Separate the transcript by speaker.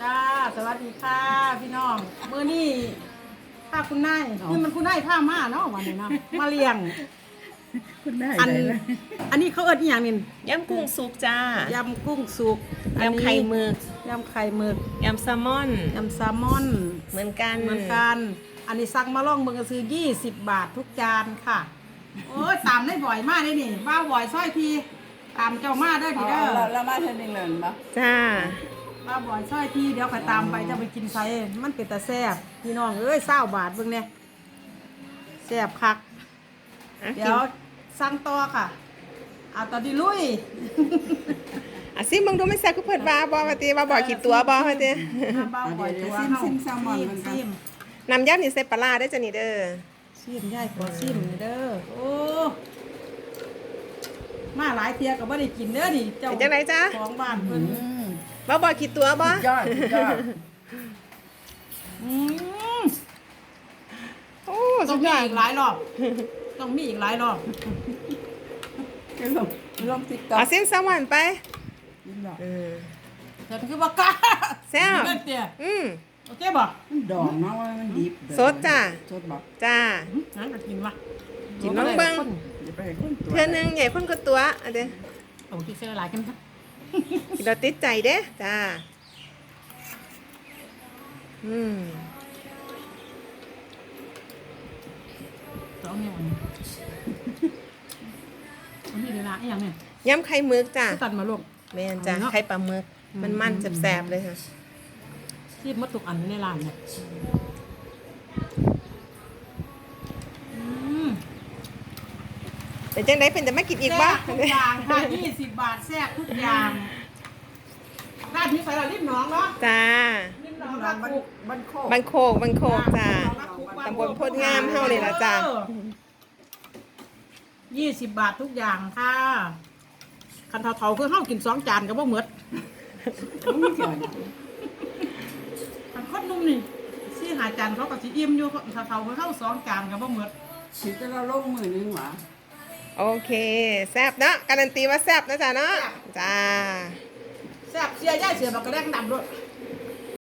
Speaker 1: จ้าสวัสดีค่ะพี่น้องมื้อนี้ผ้าคุณนายนี่มันคุณนายผ้ามาเนาะวันนี้เนาะมาเลี้ยง
Speaker 2: คุณได้
Speaker 1: อัน
Speaker 2: เลย
Speaker 1: อันนี้เขาเอิ้นอีหยังนี่
Speaker 3: ยำกุ้งสุกจ้าย
Speaker 1: ำกุ้งสุกอันนี้
Speaker 3: ยำไข่หมึก
Speaker 1: ยำไข่หมึก
Speaker 3: ยำแซลมอน
Speaker 1: ยำแซลมอน
Speaker 3: เหมือนกัน
Speaker 1: เหมือนกันอันนี้สั่งมาล่องเบิ่งก็ซื้อ20 บาททุกจานค่ะโอ้ยตามได้บ่อยมากเลยนี่บ้าบ่อยซ้อยทีตามเจ้ามาได้พี่เด้อ
Speaker 2: เรามาเทนนิงเลยปะ
Speaker 3: จ้า
Speaker 1: บ้าบ่อยซ้อยทีเดี๋ยวไปตามไปจะไปกินไสมันเป็นตาแซ่บพี่น้องเอ้ย20 บาทเบิ่งเนี่ยแซ่บคัก เดี๋ยวสั่งต่อค่ะเอาตอนนี้ลุย
Speaker 3: ซิมึงดูไม่แซ่บกูเปิดบาบอมาตีบาบ่อยกี่ตัวบอมาตี
Speaker 1: บ้าบ่อยตัว
Speaker 2: ซิมแซลมอนมัน
Speaker 1: ซิม
Speaker 3: น้ำยำนี่ใส่ปลาร้าได้จ้ะนี่เด้อ
Speaker 1: ซิมย่ายขอซิมเด้อโอ้มาหลายเที่ยก็บ่ได้กินเด้อนี่เจ้า
Speaker 3: เป็นจังไรจ้า
Speaker 1: ของบ้านเพิ่น
Speaker 3: บาบ่อยกี่ตัวบอย
Speaker 2: อดยอด
Speaker 1: อืม
Speaker 3: โอ้
Speaker 1: ต้
Speaker 3: สุ
Speaker 1: อง
Speaker 3: ด
Speaker 1: มี
Speaker 3: ยอด
Speaker 1: อีกหลายรอบต้องมีอีกหลายรอบ
Speaker 2: จะลงติ๊กต็อก
Speaker 3: เอาเส้นแซลมอนไป
Speaker 2: ยิ้มหรอ
Speaker 1: ฉันคือบ่กล้า
Speaker 3: แซ่บ
Speaker 1: เล่นเตี้ย โอเคบ่
Speaker 2: มันดองเนาะว่ามันดิบ
Speaker 3: สดจ้ะ
Speaker 2: สดบอก
Speaker 3: จ้า
Speaker 1: งั้นก็กินวะ
Speaker 3: กินน้องเบิ่ง
Speaker 2: อย่าไปให้คนตัว
Speaker 3: เพื่อนหนึงใหญ่คนก็ตัวเอันเด้อ
Speaker 1: เอาที่เสียหลายกันครับ
Speaker 3: กินเราติดใจเด้จ้า
Speaker 1: สองเนี่ยวันนี้เดี๋ยวนะอีหยังเนี่ย
Speaker 3: ยำไข่หมึกจ้า
Speaker 1: ตัดมาลูก
Speaker 3: แม่นจ้า
Speaker 1: เอาเนาะ
Speaker 3: ไข่ปลาหมึกมันแซ่บๆเลยค่ะ
Speaker 1: ที่มดทุกอันในร้านเนี่ยอืม
Speaker 3: เป็นจังไดเป็นจะไม่กินอีกบ่
Speaker 1: แซ่บทุกอย่างค่ะ20 บาทแซ่บทุกอย่างร้านที่ใส่เราริมหนองเนาะ
Speaker 3: จ้า
Speaker 1: ริมหนอง
Speaker 2: บ้า
Speaker 1: ร้าน น
Speaker 2: บ้านโคก
Speaker 3: บันโคกจ้า ตำบลโพธิ์งามเฮานี่ล่ะจ้ะ
Speaker 1: 20 บาททุกอย่างค่ะคันเท่าๆคือเฮากิน2 จานก็บ่หมด
Speaker 2: ไม่เกี่ยว
Speaker 1: คันคนนุ่มนี่4-5 จานเขาก็สิอิ่มอยู่เท่าๆคือเฮา2 จานก็บ่หมด
Speaker 2: คิดจะเราลงมือนึงหวะ
Speaker 3: โอเคแซ่บเนาะการันตีว่าแซ่บนะจ้าเนาะจ้า
Speaker 1: แซ่บเสียย่ายเสือบักกระแดงดำด้วย